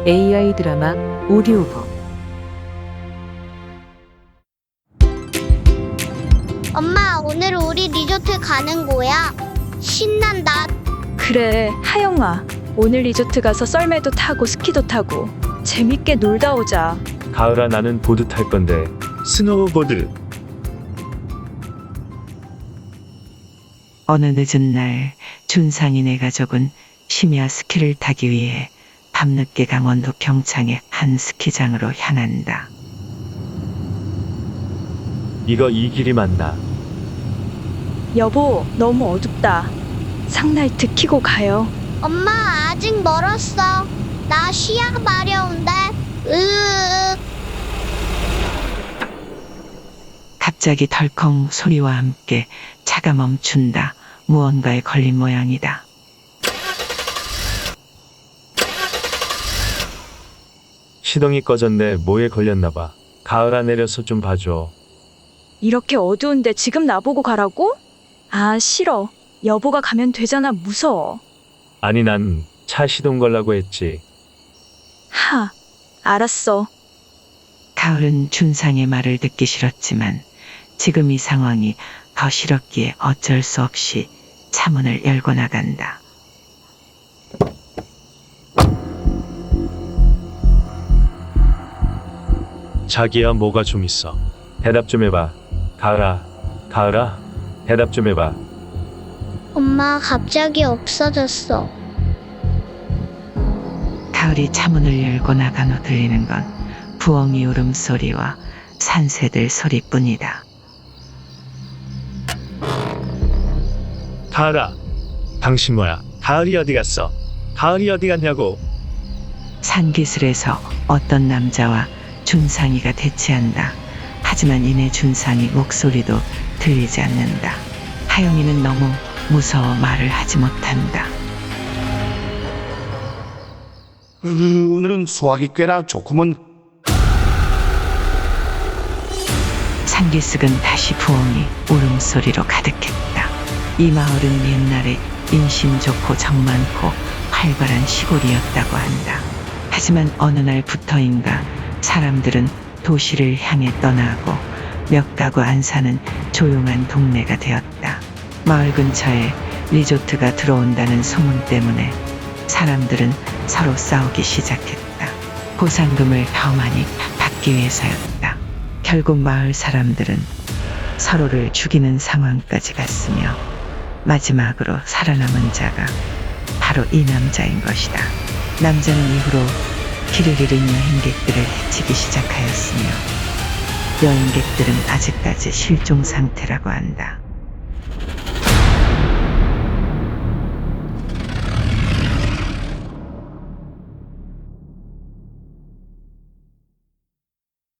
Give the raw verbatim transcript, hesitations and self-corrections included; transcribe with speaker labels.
Speaker 1: 에이아이 드라마 오디오북.
Speaker 2: 엄마, 오늘 우리 리조트 가는 거야. 신난다.
Speaker 3: 그래, 하영아. 오늘 리조트 가서 썰매도 타고 스키도 타고 재밌게 놀다 오자.
Speaker 4: 가을아, 나는 보드 탈 건데.
Speaker 5: 스노우보드.
Speaker 6: 어느 늦은 날 준상인의 가족은 심야 스키를 타기 위해 밤늦게 강원도 평창의 한 스키장으로 향한다.
Speaker 4: 이거 이 길이 맞나?
Speaker 3: 여보, 너무 어둡다. 상라이트 켜고 가요.
Speaker 2: 엄마, 아직 멀었어. 나 시야 마려운데. 으으으.
Speaker 6: 갑자기 덜컹 소리와 함께 차가 멈춘다. 무언가에 걸린 모양이다.
Speaker 4: 시동이 꺼졌네. 뭐에 걸렸나봐. 가을아, 내려서 좀 봐줘.
Speaker 3: 이렇게 어두운데 지금 나보고 가라고? 아, 싫어. 여보가 가면 되잖아. 무서워.
Speaker 4: 아니, 난 차 시동 걸라고 했지.
Speaker 3: 하, 알았어.
Speaker 6: 가을은 준상의 말을 듣기 싫었지만 지금 이 상황이 더 싫었기에 어쩔 수 없이 차문을 열고 나간다.
Speaker 4: 자기야, 뭐가 좀 있어. 대답 좀 해봐. 가을아, 가을아, 대답 좀 해봐.
Speaker 2: 엄마, 갑자기 없어졌어.
Speaker 6: 가을이 차문을 열고 나간 후 들리는 건 부엉이 울음소리와 산새들 소리뿐이다.
Speaker 5: 가을아, 당신 뭐야? 가을이 어디 갔어? 가을이 어디 갔냐고.
Speaker 6: 산기슭에서 어떤 남자와 준상이가 대치한다. 하지만 이내 준상이 목소리도 들리지 않는다. 하영이는 너무 무서워 말을 하지 못한다.
Speaker 7: 으, 오늘은 수학이 꽤나 좋구먼.
Speaker 6: 산기슭은 다시 부엉이 울음소리로 가득했다. 이 마을은 옛날에 인심 좋고 정 많고 활발한 시골이었다고 한다. 하지만 어느 날부터인가 사람들은 도시를 향해 떠나고 몇 가구 안 사는 조용한 동네가 되었다. 마을 근처에 리조트가 들어온다는 소문 때문에 사람들은 서로 싸우기 시작했다. 보상금을 더 많이 받기 위해서였다. 결국 마을 사람들은 서로를 죽이는 상황까지 갔으며 마지막으로 살아남은 자가 바로 이 남자인 것이다. 남자는 이후로 길을 잃은 여행객들을 해치기 시작하였으며 여행객들은 아직까지 실종 상태라고 한다.